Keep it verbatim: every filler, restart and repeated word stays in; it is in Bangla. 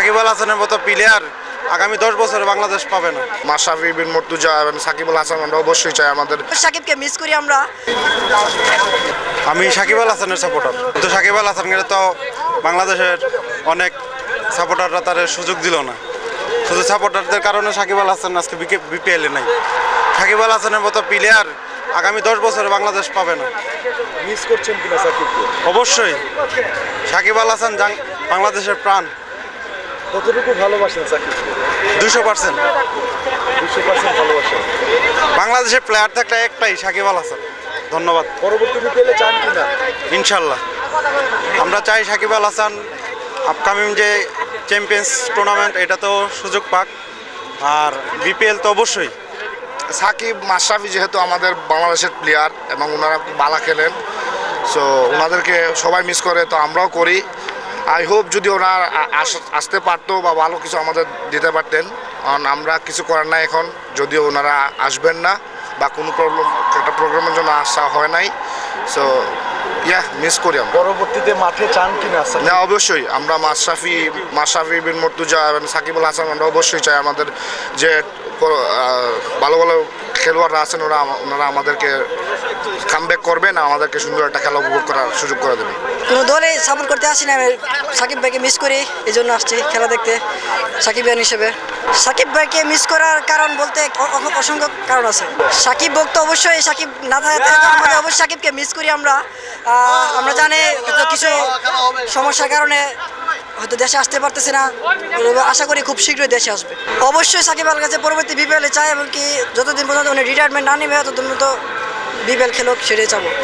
সাকিব আল হাসানের মতো প্লেয়ার আগামী দশ বছরে বাংলাদেশ পাবে না। মাশরাফি বিন মুর্তজা এবং সাকিব আল হাসান আমরা অবশ্যই চাই। আমাদের সাকিবকে মিস করি আমরা। আমি সাকিব আল হাসানের সাপোর্টার, কিন্তু সাকিব আল হাসানকে তো বাংলাদেশের অনেক সাপোর্টাররা তার সুযোগ দিল না। শুধু সাপোর্টারদের কারণে সাকিব আল হাসান আজকে বিপিএলে নাই। সাকিব আল হাসানের মতো প্লেয়ার আগামী দশ বছরে বাংলাদেশ পাবে না। মিস করছেন কিনা সাকিবকে? অবশ্যই। সাকিব আল হাসান বাংলাদেশের প্রাণ। কতটুকু ভালোবাসেন সাকিবকে? দুশো পার্সেন্ট দুশো পার্সেন্ট ভালোবাসেন। বাংলাদেশের প্লেয়ার থাকলে একটাই সাকিব আল হাসান। ধন্যবাদ। পরবর্তী বিপিএলে চান কিনা? ইনশাল্লাহ আমরা চাই সাকিব আল হাসান আপকামিং যে চ্যাম্পিয়ন্স টুর্নামেন্ট এটাতেও সুযোগ পাক, আর বিপিএল তো অবশ্যই। সাকিব মাশরাফি যেহেতু আমাদের বাংলাদেশের প্লেয়ার এবং ওনারা ভালো খেলেন, সো ওনাদেরকে সবাই মিস করে, তো আমরাও করি। আই হোপ যদি ওনারা আসতে পারতো বা ভালো কিছু আমাদের দিতে পারতেন, কারণ আমরা কিছু করার নাই এখন, যদিও ওনারা আসবেন না বা কোনো প্রবলেম একটা প্রোগ্রামের জন্য আসা হয় নাই। সো ইয়া মিস করি আমরা। পরবর্তীতে মাঠে চান কিনা? না, অবশ্যই আমরা মাশরাফি মাশরাফি বিন মুর্তজা এবং সাকিব আল হাসান আমরা অবশ্যই চাই। আমাদের যে ভালো ভালো খেলোয়াড়রা আছেন ওরা ওনারা আমাদেরকে কামব্যাক করবেন, আমাদেরকে সুন্দর একটা খেলা উপভোগ করার সুযোগ করে দেবেন। কোনো দলে সাপোর্ট করতে আসি না, আমি সাকিব ভাইকে মিস করি, এই জন্য আসছি খেলা দেখতে সাকিব ভাই হিসেবে। সাকিব ভাইকে মিস করার কারণ বলতে অসংখ্য কারণ আছে। সাকিব ভক্ত অবশ্যই, সাকিব না থাকতে আমাদের অবশ্যই সাকিবকে মিস করি আমরা। আমরা জানি কিছু সমস্যার কারণে হয়তো দেশে আসতে পারতেছি না, আশা করি খুব শীঘ্রই দেশে আসবে। অবশ্যই সাকিব আল কাছে পরবর্তী বিপিএলে চাই, এবং কি যতদিন পর্যন্ত উনি রিটায়ারমেন্ট না নেবে ততদিন পর্যন্ত বিপিএল খেলুক, সেটাই চাবো।